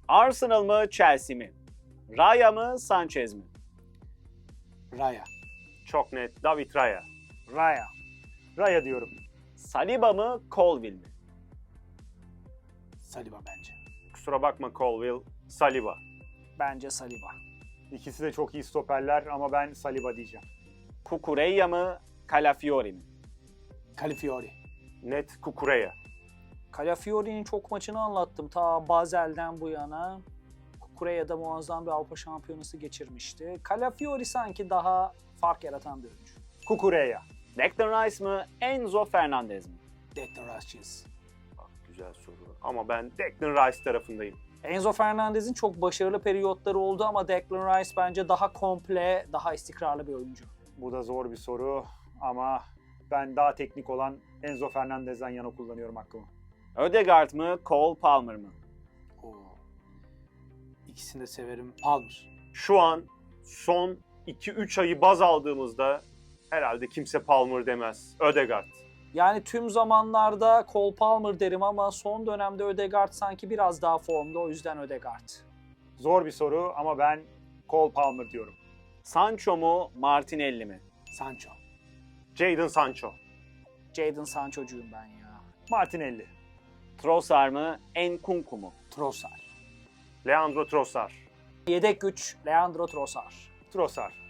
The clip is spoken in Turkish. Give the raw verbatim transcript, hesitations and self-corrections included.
Arsenal mı Chelsea mi? Raya mı Sanchez mi? Raya. Çok net. David Raya. Raya. Raya diyorum. Saliba mı Colwill mi? Saliba bence. Kusura bakma Colwill. Saliba. Bence Saliba. İkisi de çok iyi stoperler ama ben Saliba diyeceğim. Cucurella mı Calafiori mi? Calafiori. Net Kukureya. Calafiori'nin çok maçını anlattım ta Basel'den bu yana. Kukureya muazzam bir Avrupa Şampiyonası geçirmişti. Calafiori sanki daha fark yaratan bir oyuncu. Kukureya. Declan Rice mı Enzo Fernandez mi? Declan Rice'ciyiz. Bak, güzel soru. Ama ben Declan Rice tarafındayım. Enzo Fernandez'in çok başarılı periyotları oldu ama Declan Rice bence daha komple, daha istikrarlı bir oyuncu. Bu da zor bir soru ama ben daha teknik olan Enzo Fernandez'den yana kullanıyorum hakkımı. Ödegaard mı Cole Palmer mı? Oo. İkisini de severim. Palmer. Şu an son iki üç ayı baz aldığımızda herhalde kimse Palmer demez. Ödegaard. Yani tüm zamanlarda Cole Palmer derim ama son dönemde Ödegaard sanki biraz daha formda, o yüzden Ödegaard. Zor bir soru ama ben Cole Palmer diyorum. Sancho mu Martinelli mi? Sancho. Jadon Sancho. Jadon Sancho'cuyum ben ya. Martinelli. Trossard mı Nkunku mu? Trossard. Leandro Trossard. Yedek güç Leandro Trossard. Trossard.